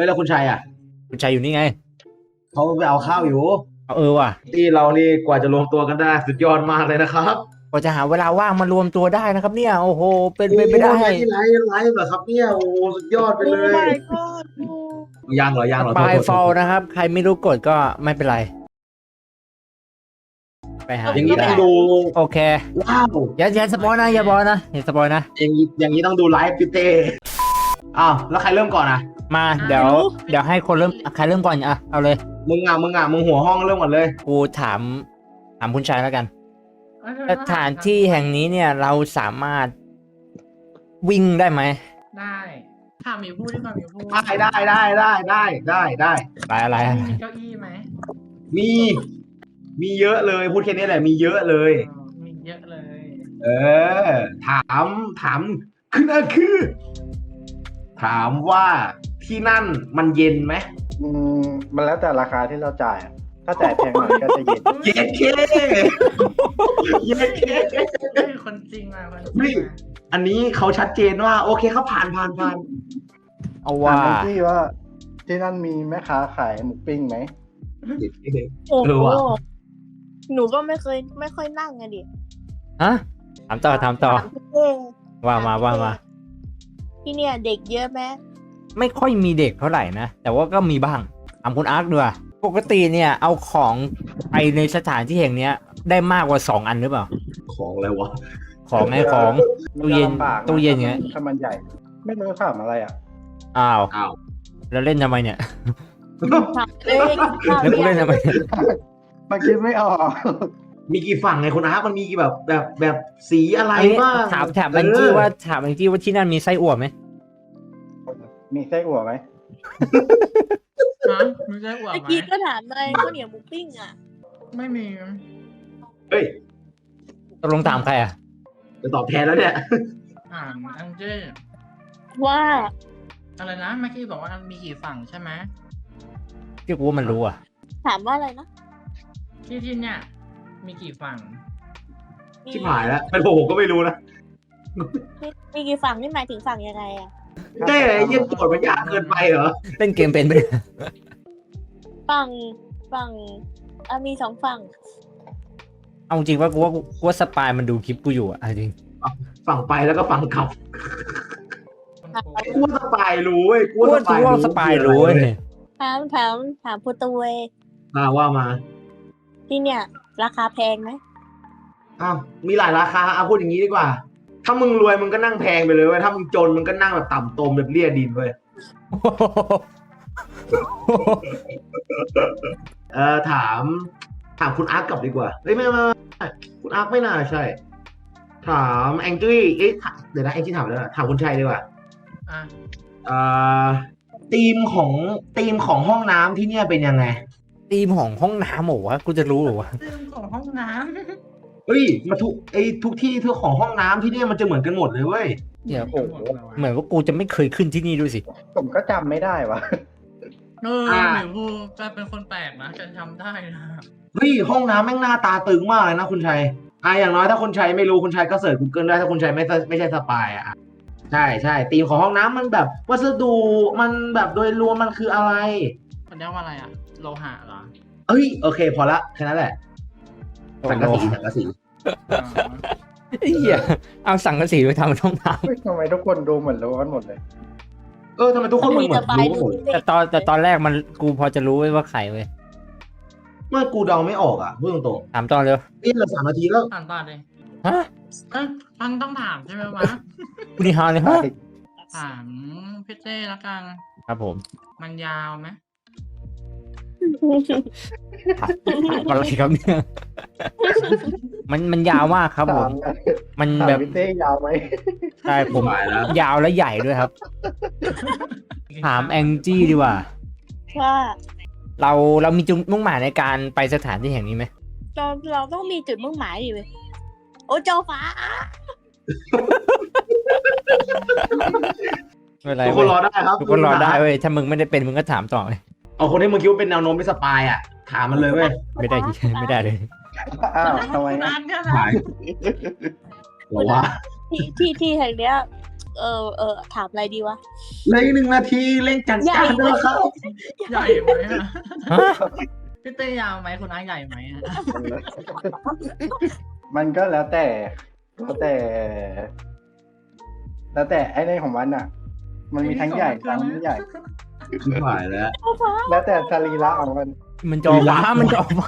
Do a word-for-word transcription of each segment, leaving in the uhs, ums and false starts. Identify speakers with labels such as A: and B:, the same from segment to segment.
A: ฮ้ยแล้วคุณชัยอ่ะ
B: คุณชัยอยู่นี่ไง
A: เขาไปเอาข้าวอยู่
B: เออว่ะ
A: ที่เรานี่กว่าจะรวมตัวกันได้สุดยอดมากเลยนะครับ
B: กว่าจะหาเวลาว่างมารวมตัวได้นะครับเนี่ยโอ้โหเป็นไป
A: โอ้
B: ไม่ได้
A: ไลฟ์ไลฟ์ไลฟ์เหรอครับเนี่ยโอ้สุดยอดไปเลย
C: my god
A: ยังเหรอยังเหรอ
B: ปลาย
A: โทษ
B: ฟอล
A: โทษ
B: นะครับ ใครไม่รู้กดก็ไม่เป็นไร ไปหา
A: อย่างนี้ต้องดู
B: โอเค
A: ว้าว
B: อย่าอย่าสปอยนะอย่าบอยนะอย่าสปอยนะ
A: อย่างนี้อย่างนี้ต้องดูไลฟ์พี่เต้อ้าวแล้วใครเริ่มก่อนอ่ะ
B: มาเดี๋ยวเดี๋ยวให้คนเริ่มใครเริ่มก่อนอ่ะเอาเลย
A: มึงอ่ะมึงอ่ะมึงหัวห้องเริ่มก่อนเลย
B: กูถามถามคุณชัยแล้วกันสถานที่แห่งนี้เนี่ยเราสามารถวิ่งได้ไหม
C: ได้ถามหมีพูดดีกว่าหมีพูด
A: ได้ได้ได้ได้ได้ได้ได้
B: ไปอะไรอะ
C: มีเก้าอี้ไหม
A: มีมีเยอะเลยพูดแค่นี้แหละมีเยอะเลย
C: เออมีเยอะเลย
A: เออ ถามถามคือนั่นคือ ถามว่าที่นั่นมันเย็นไหม
D: อืมมันแล้วแต่ราคาที่เราจ่ายอะถ้าจ่ายแพงหน่อยก็จะเย็น
A: เย็นเคเย็นเค
C: เฮ้ยคนจริงมาคนจริง
A: เฮ้ย
C: มา
A: อันนี้เขาชัดเจนว่า โอเคเขาผ่านผ่านผ่าน
B: เอา
D: ถา
B: ว่า
D: มที่ว่า ที่นั่นมีแม่ค้าขายหมูปิ้งไหม
E: โอ้
A: เออ
E: โห
A: ว่ะ
E: หนูก็ไม่เคยไม่ค่อยนั่งอะดิ
B: ฮะถามต่อถามต่อ
E: ถามพี่เต้
B: ว่ามาว่ามา
E: ที่เนี่ยเด็กเยอะไหม
B: ไม่ค่อยมีเด็กเท่าไหร่นะ แต่ว่าก็มีบ้างถามคุณอาร์คด้วยปกติเนี่ยเอาของไปในสถานที่แห่งเนี้ย ได้มากกว่าสองอันหรือเปล่า
A: ของอะไรวะ
B: ของไงของ ตู้เย็น
D: มัจะลำบากะ
B: ตู้เย็นเงี้ย
D: ถ้ามันใหญ่ ไม่รู้ถามอะไรอ่ะ
B: อ้าว
A: อ้าว
B: แล้วเล่นทำไมเนี่ย
E: ถามเอ้ยกินข้าว
B: แล้วกูเล่นทำไมเนี่ย
D: มันคิดไม่ออก
A: มีกี่ฝั่งไงคุณอาร์ตมันมีกี่แบบแบบแบบสีอะไร
B: อันนี้
A: บ้าง
B: ถามถามแองจี้ว่าถามแองจี้ว่าที่นั่นมีไส้อั่วไหม
D: มีไส้อั่วไหม
C: ฮะมีได้อวด
E: เมื่อ
C: ไหม
E: กี้ก็ถามเลยข้าวเหนียวหมูปิ้งอ่ะ
C: ไม่มี
A: เฮ้ย
B: ตกลงตามใครอ่ะ
A: จะตอบแทนแล้วเนี่ย
C: อ่านอังเจ้
E: ว่า
C: อะไรนะเมื่อกี้บอกว่ามีกี่ฝั่งใช่ไหม
B: ที่กูว่ามันรู้อ่ะ
E: ถามว่าอะไรนะ
C: ที่ที่เนี่ยมีกี่ฝั่ง
E: มี
A: ชิบหายแล้วเป็นผมผมก็ไม่รู้นะ
E: มีมีกี่ฝั่งนี่หมายถึงฝั่งยังไงอ่ะ
A: เต้ไอ้เยี่ยโจทย์มันยากเกินไปเหรอ
B: เล่นเกมเป็นไปะเนี่ย
E: ฝั่งฝั่งอ่ะมีสองฝั่ง
B: เอาจริงว่ากูว่ากูว่าสปายมันดูคลิปกูอยู่อ่ะเอาจริง
A: ฝั่งไปแล้วก็ฝั่งกลับ
C: คนโกง
A: ไอ้กูว่าสปายรู้เว้ยกู
B: กูว่า
A: ว่าส
B: กู
A: ปาย
B: ว่าสปายรู้เว้ย
E: ถามถามถามพูตเวย
A: อ่าว่ามา
E: ที่เนี่ย ราคาแพงไหม
A: อ้าวมีหลายราคาเอาพูดอย่างนี้ดีกว่า ถ้ามึงรวยมึงก็นั่งแพงไปเลยเว้ยถ้ามึงจนมึงก็นั่งแบบต่ำตมแบบเลี่ยดินเว้ยเออถามถามคุณอาร์ตกลับดีกว่าเฮ้ยไม่ไม่ไม่ไม่คุณอาร์ตไม่น่าใช่ ถามแองจี้เอ๊ะถามเดี๋ยวนะแองจี้ถามแล้วนะถามคุณชัยดีกว่า
C: อ่ะ
A: เอ่อธีมของธีมของห้องน้ำที่เนี่ยเป็นยังไง
B: ธีมของห้องน้ำเหรอวะกูจะรู้เหรอวะ
C: เรื่องของห้องน้
A: เฮ้ยมาทุกไอ้ทุกที่ทุกของห้องน้ำที่เนี่ยมันจะเหมือนกันหมดเลยเว้ย
C: ำ
B: เดี๋ยว
C: โอ้โห
B: เหมือนว่ากูจะไม่เคยขึ้นที่นี่ด้วยสิ
D: ผมก็จำไม่ได้วะ
C: เออหมิวพูกลายเป็นคนแปลกนะจะทำได้นะ
A: เฮ้ยห้องน้ำแม่งหน้าตาตึงมากเลยนะคุณชัยอ่ะอย่างน้อยถ้าคุณชัยไม่รู้คุณชัยก็เสิร์ช Google ได้ถ้าคุณชัยไม่ไม่ใช่สปายอ่ะใช่ใช่ธีมของห้องน้ำมันแบบวัสดุมันแบบโดยรวมมันคืออะไร
C: มันเรียกว่าอะไรอ่ะ โลหะเหรอ
A: เอ้ยโอเคพอละแค่นั้นแหละสังกะสีสังกะสี
C: อ๋อ
B: ไอ้เหี้ยเอาสังกะสีไปทำห้องน้
D: เฮ้ยทำไมทุกคนดูเหมือนรู้กันหมดเลย
A: เออทำไมทุกคนมันเหมือนรู้หมด
B: ำแต่ตอนแต่ตอนแรกมันกูพอจะรู้ไว้ว่าใครเว้ย
A: เมื่อกูเดาไม่ออกอ่ะพูดตรง
B: ถามตอนเร็ว
A: ๆนี่เราสามนาทีแล้ว
C: อ่านต่อเลย
B: ฮะ
C: เอ้ยฟังต้องถามใช่ไหมวะ
B: กูนี่ฮาเลยฮะ
C: ถามพี่เต้แล้วกัน
B: ครับผม
C: มันยาวไหม
B: ถามถามอะไรครับเนี่ยมันมันยาวมากครับผ
D: ถาม
B: ม มัน
D: ถาม
B: แบบ
D: พี่เต้ยาวไหม
B: ใช่ผม
A: หายแล้ว
B: ยาวและใหญ่ด้วยครับ ถามแองจี้ดีกว่า
E: ว่า
B: เราเรามีจุดมุ่งหมายในการไปสถานที่แห่งนี้ไหม
E: เราเราต้องมีจุดมุ่งหมายดิเว้ยโอ้เจ้าฟ้า
B: ไม่เป็นไร
A: ทุกค
B: เว้
A: น
B: ย
A: รอได้ครับ
B: ทุกคนรอได้เว้ยถ้ามึงไม่ได้เป็นมึงก็ถามต่อเลย
A: เอาคนที่มึงคิดว่าเป็นแนวโน้มเป็นสปายอ่ะถามมันเลยเว้ย
B: ไม่ได้ ไม่ได้เลย
D: อ้าวทำไม
C: นา
D: อะ
C: นเนี่ยนะ
A: หายหรอวะ
E: ที่ที่ที่แห่งเนี้ยเออเออถามอะไรดีวะ
A: เหลยหนึ่งนาทีเร่งจัด
E: ใหญ่
A: การด้วยครับ
C: ใหญ่ไหมอะ
B: ฮะ
C: พี่เต้ยาวไหมคุณอาร์ตใหญ่ไหมอะ
D: มันก็แล้วแต่แล้วแต่ แล้วแต่ไอ้ในของมันอ่ะ มันมีทั้งใหญ่ทั้งไม่ใหญ่
A: ไม่ไหวแล้ว
D: แล้วแต่สรีระของมัน
B: มันจอฟ้ามันจอฟ้า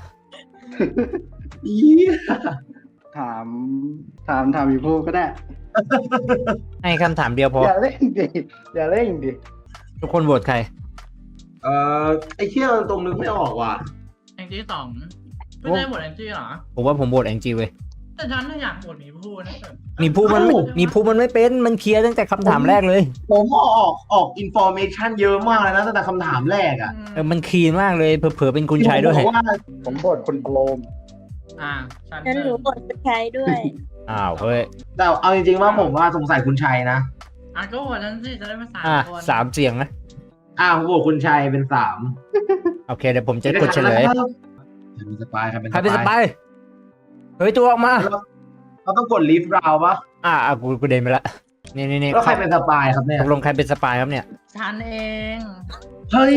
A: อี
D: ถามถามถามอีพูก็ได้
B: ให้คำถามเดียวพอ
D: อย่าเล่นดิอย่าเล่นดิ
B: ทุกคนโหวตใคร
A: เอ่อไอ้เที่ยวตรงนึกไม่ออกว่ะ
C: แองจี้สองพี่เต้หมดแองจี้เหรอ
B: ผมว่าผมโหวตแองจีเว้ย
C: แต่ฉันน่ะอยากหมดหมีพูนะแต่
B: มีผู้มันไม่
A: เอ้า
B: มีผู้มันไม่เป็นมันเคลียร์ตั้งแต่คำถามแรกเลย
A: ผมออกออกอินโฟเมชันเยอะมากเลยนะตั้งแต่คำถามแรกอ่ะ
B: เออมันคลีนมากเลยเผลอๆเป็นคุณชายด้วย
A: ผมบอกว่า
D: ผมบทคุณโครม
C: อ่าฉัน
E: ฉันรู้บทเป็นใครด้วย
B: อ้าวเฮ้ย
A: แต่เอาจริงๆว่าผมว่าสงสัยคุณชัยนะ
C: อ่ะก็หมดฉันสิจะได้มาสาม
B: อ่ะ
C: คน
B: สามเสียงนะ
A: อ่าผมบอกคุณชัยเป็นสาม
B: โอเคเดี๋ยวผมจะกดเฉลย
A: ใครเป็นสปายใครเป็น
B: ใครเป็นสปายเฮ้ยตัวออกมา
A: เราต้องกดลิฟต์ราวปะ
B: อ่ะอ่ะกูกูเดินไปละนี่นี่นี่
A: แล้วใครเป็นสปายครับเนี่ย
B: ตกลงใครเป็นสปายครับเนี่ย
C: ฉันเอง
A: เฮ้ย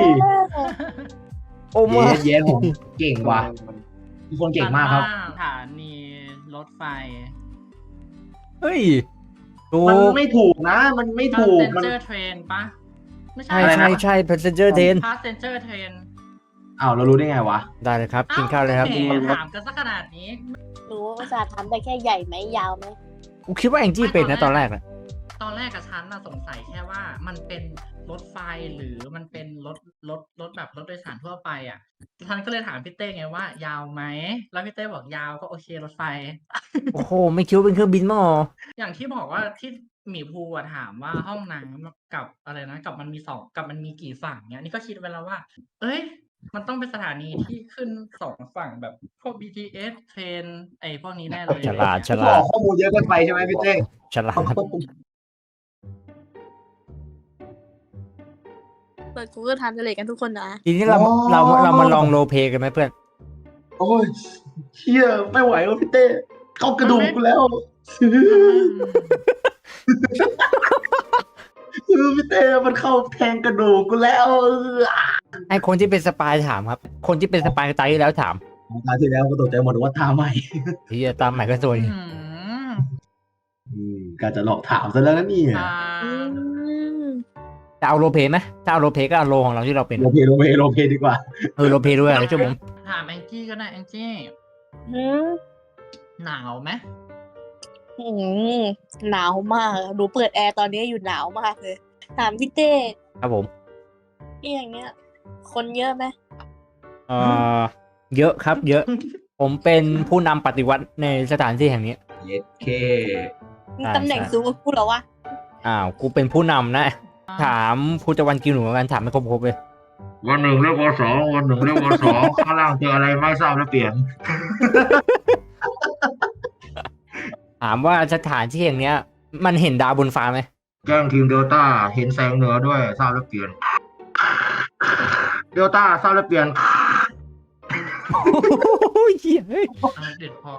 B: โอ้
A: เย้
B: มา
A: เย้ผมเก่งว่ะทุกคนเก่งมากครับ
C: ฉันว่สถานีรถไฟ
B: เฮ้ยถู
A: มัน
B: ก
A: ไม่ถูกนะ มันไม่ถูกมัน
C: passenger train ปะไม่ใช่
B: ใช่
A: อะไรนะ
B: ใช่ใช่ passenger train
C: passenger train
A: อ้าวเรารู้ได้ไงวะ
B: ได้เลยครับกินข้าวเลยครับ
C: แหมถามกันสักขนาดนี้
E: รู้ว่าภาษาถามได้แค่ใหญ่ไหมยาวไหม
B: กูคิดว่าแองจี้เป็นนะตอนแรกนะ
C: ตอนแรกกับฉันน่ะสงสัยแค่ว่ามันเป็นรถไฟหรือมันเป็นรถรถรถแบบรถโดยสารทั่วไปอ่ะฉันก็เลยถามพี่เต้ไงว่ายาวไหมแล้วพี่เต้บอกยาวก็โอเครถไฟ
B: โอ้โหไม่คิดว่าเป็นเครื่องบินมั้งอ๋อ
C: อย่างที่บอกว่าที่หมีภูอะถามว่าห้องน้ำกับอะไรนะกับมันมีสองกับมันมีกี่ฝั่งเนี้ยนี่ก็คิดไว้แล้วว่า เอ้ย มันต้องเป็นสถานีที่ขึ้นสองฝั่งแบบพวก บี ที เอส เทรนไอ้พวกนี้แน่เลย
B: ฉลาดฉ
A: บ
B: ลา
A: อ
B: ด
A: กข้อมูลเยอะเกินไปใช่ไหมพี่เต้
B: ฉลาด
E: เปิด Google Translate กันทุกคนนะ
B: ทีนี้เราเราเรามาลองโรลเพลย์กันไหมเพื่อน
A: โอ้ยเชี่ยไม่ไหวว่ะพี่เต้เข้ากระดูกกูแล้วคือพี่เต้มันเข้าแทงกระดูกกูแล้ว
B: ให้คนที่เป็นสปายถามครับ คนที่เป็นสปายตายที่แล้วถาม
A: ตาที่แล้วก็ตกใจหมดว่าท่าใหม่
B: ที่ตามใหม่ก็สวย
C: อืม
A: อืมการจะหลอกถามซะแล้วนะเนี่ย
C: อ่า
E: อืม
B: จะเอาโรลเพลย์ไหมถ้าเอาโรลเพลย์ก็เอาโรของเราที่เราเป็น
A: โรเพโรเพโรเพดีกว่า
B: เออโรลเพลย์ด้วยนะช่วยผม
C: ถามแองจี้ก็ได้แองจี้
E: อืม
C: หนาวไหม
E: อืมหนาวมากดูเปิดแอร์ตอนนี้อยู่หนาวมากเลย ถามพี่เต้
B: ครับผม
E: ที่อย่างเงี้ย คนเยอะไหม
B: เอ่อเยอะครับ เยอะ ผมเป็นผู้นำปฏิวัติในสถานที่แห่งนี้
A: เย็ดเค
E: มี
B: ใช่
E: ตำแหน่ง
B: ใช่
E: สูงกว่ากูเหรอวะ
B: อ้าวกูเป็นผู้นำนะ ถามภูตะวันกินหนูกันถามไม่ครบๆเลย
A: วันหนึ่งเรียกวันสองวันหนึ่งเรียกวันสองข้างล่างเจออะไรไม่ทราบแล้วเปลี่ยน
B: ถามว่าสถานที่แห่งเนี้ย มันเห็นดาวบนฟ้าไหม
A: แจ้งทีมเดลต้าเห็นแสงเหนือด้วยทราบแล้วเปลี่ยนเดลต้าทราบแล้วเปลี่ยน
B: โอ้ยเหี้ยเฮ้ย
C: อ่าเด็ดพอ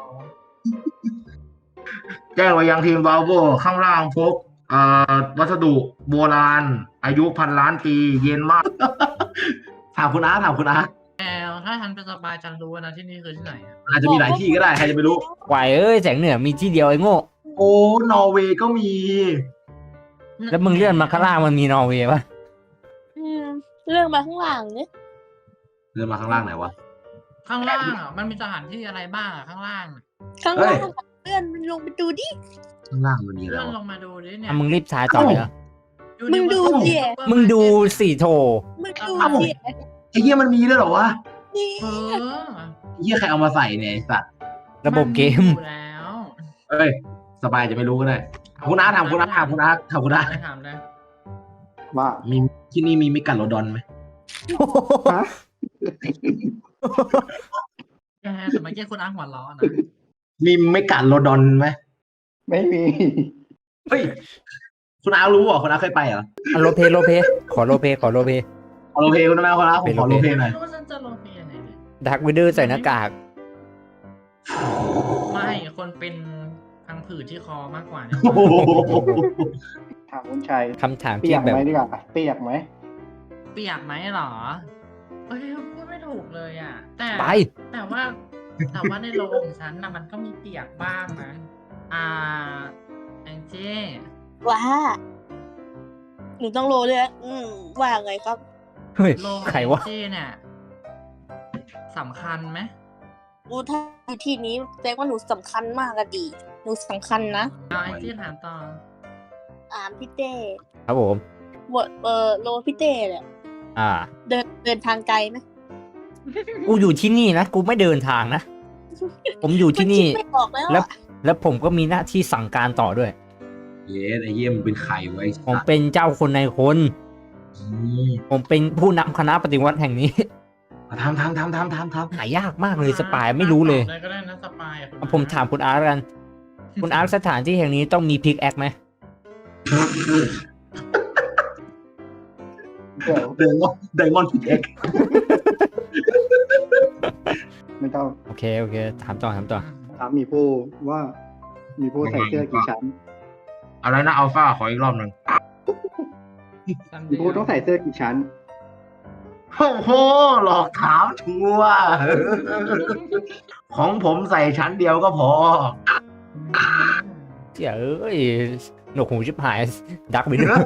A: แจ้งไปยังทีมบาโวข้างล่างพบเอ่อวัสดุโบราณ อายุพันล้านปีเย็นมาก ถามคุณอาร์ตถามคุณอาร์ต
C: แอลถ้าฉันเป็นสปายฉันรู้นะที่นี่คือที่ไหนอะ
A: อาจจะมีหลายที่ก็ได้ใครจะไม่รู้
B: ไหวเอ้ยแสงเหนือมีที่เดียวไอ้โง่
A: โอ้นอร์เวย์ก็มี
B: แล้วมึงเลื่อนมาข้างล่างมันมีนอร์เวย์ปะ
E: อืมเรื่องมาข้างหลังเนี่ย
A: เดินมาข้างล่างไหนวะ
C: ข้างล่างอ่ะมันมีสถานที่อะไรบ้างอ่ะข้างล่างอะ
E: ข้าง
A: เฮ้
E: ล่าย งเพื่อนมันลงไปดูดิ
A: ข้างล่างมันมีอะไร
C: เลื่อน
A: วะ
C: ลงมาดูดิเนี่ย
B: อ่ะมึงรีบช้าต่อเลยเหรอ
E: มึงดูสิ
B: มึงดูสี่โถ
E: มึงดูดิ
A: ไอ้เหี้ยมันมีด้วยเหรอวะ
E: นี่
C: เออ
A: ไอ้เหี้ยใครเอามาใส่เนี่ยไอ้สัตว์
B: ระบบเกม
C: นอยู่แล้ว
A: เอ้ยสบายจะไม่รู้ก็ได้ถามคุณอาร์ตถามคุณอาร์ตถามคุณอาร์ตถามคุณอาร์ต
C: ไม่ถามเลย
D: ว่า
A: มีที่นี่มีมิกัดโรดอนไหม
D: ฮะ
C: แกแต่เมื่อกี้คุณอ้างหัวล้อนะ
A: มีมิกัดโรดอนไหม
D: ไม่มี
A: เฮ้ยคุณอาร์ตรู้เหรอคุณอาร์ตเคยไปเหรอ
B: อ่ะโรลเพลย์โรลเพลย์ขอโรลเพลย์ขอโรลเพลย์
A: ขอโรลเพลย์คุณอาร์ตคุณอาร์ตผมขอโรลเพลย์หน่อย
C: ไม่รู้ว่าฉันจะลงเพียงไหนเนี่ย
B: ดักวิดเดอร์ใส่หน้ากาก
C: ไม่คนเป็นพังผืดที่คอมากกว่าเนี่ย
A: โอ้โห
D: ถามคุณชัย
B: คำถาม
D: เปี
B: ที่
D: ยก
B: แบบ
D: ไหมดีกว่าเปียกไหม
C: เปียกไหมเหรอเอ้ยพูดไม่ถูกเลยอ่ะ แต่
B: ไป
C: แต่ว่า แต่ว่าในโรงของฉันนะมันก็มีเปียกบ้างนะ อ่าแองเจ้
E: ว่าหนูต้องโลเลยนะอืมว่าไงครับ
B: เฮ้ย
C: โรงของ
B: ใคร
C: แอง
B: วะ
C: เจ้เนี่ยสำคัญไหม
E: อูถ้าอยู่ที่นี้แสดงว่าหนูสำคัญมากอะดี หนูสำคัญนะ
C: เอาแองเจ้ถามต่อ
E: อ่านพี่เต้
B: ครับผม
E: บทเออโลพี่เต้เนี่ย
B: อ่า
E: เดินเดินทางไกลไหม
B: กูอยู่ที่นี่นะ กูไม่เดินทางนะ ผมอยู่ที่นี่
E: มัคิดไม่ออกแล้ว
B: แล้ว
E: อะ
B: แล้วผมก็มีหน้าที่สั่งการต่อด้วย
A: เย้ไอ้เยี่ยมงเป็นไข่ไว้
B: ผมเป็นเจ้าคนในคน ผมเป็นผู้นำคณะปฏิวัติแห่งนี้
A: ทำทำทำทำทำทำ
B: หายากมากเลยสปายไม่รู้เลย
C: ตอบก็ได้นะสปายอะคุณ
B: เอาผมถามคุณอาร์ตกัน คุณอาร์ตสถานที่แห่งนี้ต้องมีพิกแอคไหม
D: เดี๋ยว
A: เดมอนเดมอนพิกเอ็ก
D: ไม่ต้อง
B: โอเค โอเค ถามต่อถามต่อ
D: ถามหมีผู้ว่าหมีผู้ใส่เสื้อกี่ชั้น
A: อะไรนะอัลฟาขออีกรอบหนึ่ง
C: ซัน
D: ห
C: เด
D: มี
C: ย์
D: ผู้ต้องใส่เสื้อกี่ชั้น
A: โอ้โหหลอกถามชัวร์ของผมใส่ชั้นเดียวก็พอ
B: เจ๋ยเอ้ยหนวกหูชิบหาย ดักไปด้วย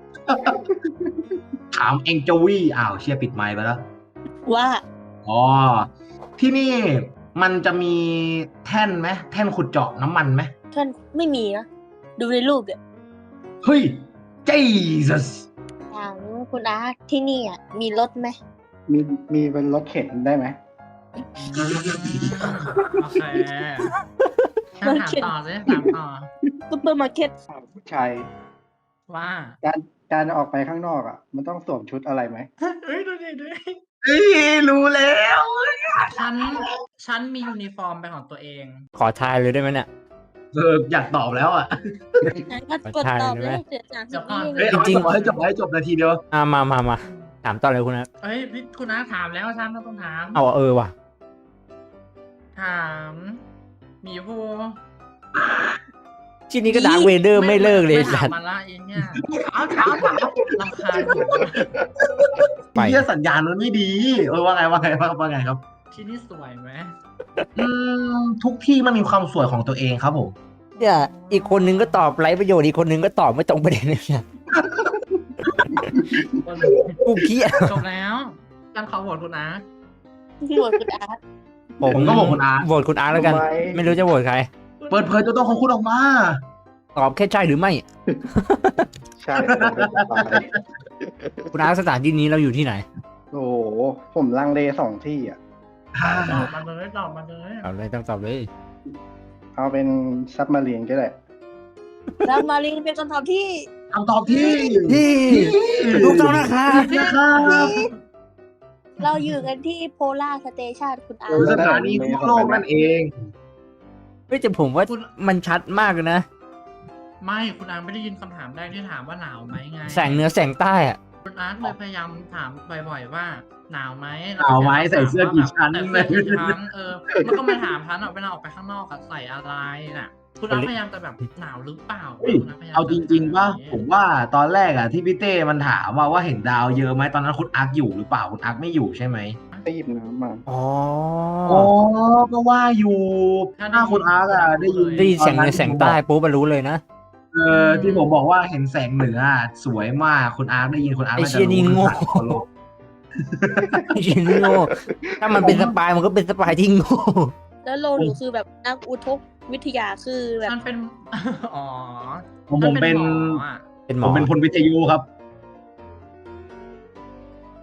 A: ถามเองโจวี่อ้าวเชียร์ปิดไมค์ไปแล้ว
E: ว่า
A: อ๋อ ที่นี่มันจะมีแท่นไหมแท่นขุดเจาะน้ำมันไหม
E: ท่านไม่มีนะ ดูในรูปเนี่ย
A: เฮ้ย Jesus
E: ถามคุณอาร์ตที่นี่อ่ะมีรถไหม
D: มีมีเป็นรถเข็นได้ไหม
C: โอเคถามต่อสิถามต่อ
E: ซุปเปอร์มาร์เก็ต
D: ถามผู้ชัย
C: ว่า
D: การการออกไปข้างนอกอ่ะ มันต้องสวมชุดอะไรไหม
C: เฮ้ยดูดิดูดิ
A: เฮ้ย รู้แล้ว
C: ฉันฉันมียูนิฟอร์มเป็นของตัวเอง
B: ขอทายเลยได้ไหมเนี่ย
A: เอออยากตอบแล้วอ่ะ
E: งั้นก็กดตอบเลยเดี๋ยวสามสิบวิ
A: เฮ้ยเอา
B: จริงๆ
A: ให้จบให้จบนาทีเดียว
B: อ่ามามามาถามต่อเลยคุณอาร์ต
C: เอ้ยพี่คุณน้าถามแล้วฉันต้องถาม
B: เอาเออว่ะ
C: ถามหมีภู
B: ที่นี้ก็ดาร์คเวเดอร์ไม่เลิกเลย
C: ไม่ถา
B: สั
C: ม
B: ตว์
C: มาละเองเนี่ย
A: ถามถามถาม
C: รำคาญผม
B: ไป
A: เฮียสัญญาณมันไม่ดี เออว่าไงว่าไงว่าว่าไงครับ
C: ที่นี่สวยไหม
A: อืมทุกที่มันมีความสวยของตัวเองครับผม
B: เนี่ยอีกคนนึงก็ตอบไร้ประโยชน์อีกคนนึงก็ตอบไม่ตรงประเด็นเลยเนี่ยกูเครียด
C: จบแล้วฉันขอโหวตคุณน้า
E: โหวตคุณอาร์ต
A: ผมก็โหวตคุณอาร์ต
B: โหวตคุณอาร์ตแล้วกัน
D: ทำไม
B: ไม่รู้จะโหวตใคร
A: เปิดเผยตัวตนของคุณออกมา
B: ตอบแค่ใช่หรือไม่
D: ใช่ผมเป็นสปาย
B: คุณอาร์ตสถานที่นี้เราอยู่ที่ไหน
D: โอ้โห ผมลังเลสองที่อ่ะ
C: ตอบมาเลยตอบมาเลย
B: ตอบเลยต้องตอบเลย
D: เอาเป็นซับมารีนก็ได้
E: แล้วมารินเป็นคำตอบที่
A: คำตอบที่
B: ที่ถูกต้องนะครับ
A: นะครับ
E: เราอยู่กันที่โพล่าสเตชันคุณอา
A: หรื
E: ร์
A: อ
E: ต
A: สถานีทั่วโลกนั่นเอง
B: เฮ้ยแต่ผมว่ามันชัดมากเลยนะ
C: ไม่คุณอาร์ตไม่ได้ยินคำถามแรกที่ถามว่าหนาวไหมไง
B: แสงเหนือแสงใต้อะ
C: คุณอาร์ตเลยพยายามถามบ่อยๆว่า หนาวไหม
A: หนาวไหมใส่เสื้อกี่ชั้น
C: ใส่เสื้อกี่ชั้นเออมันก็มาถามฉันอะเวลาออกไปข้างนอกอะใส่อะไรน่ะ คุณอาร์ตพยายามจะแบบหนาวหรือเปล่า
A: เฮ้ย
C: คุณร์ตพยยม
A: เอาจริงๆป่ะ
C: จ
A: ผมว่าตอนแรกอะที่พี่เต้มันถามว่าว่าเห็นดาวเยอะไหมตอนนั้นคุณอาร์คอยู่หรือเปล่าคุณอาร์คไม่อยู่ใช่ไหม
D: ไปหยิบน้ำมา
B: อ๋อ
A: อ๋อก็ว่าอยู่ถ้าคุณอาร์คอะได้ยิน
B: ได้ยินแสงเหนือแสงใต้ปุ๊บมันรู้เลยนะ
A: เออที่ผมบอกว่าเห็นแสงเหนืออะสวยมากคุณอาร์คได้ยินคุณอาร์ค
B: ไอ้
A: น่า
B: เชี่
A: จะ
B: ยนี่
A: รู้
B: โง่
A: ทันทั่วโลก
B: ชินโง่ถ้ามันเป็นสปายมันก็เป็นสปายที่โง่
E: แล้วโลหนูคือแบบนักอุทกวิทยาคือแบบ
C: ฉันเป็น อ๋อ
A: ผมผมเป็น
C: ฉัหมออะ
B: เป็นหม
A: ผ
B: อ
A: มเป็นพลวิทยุครับ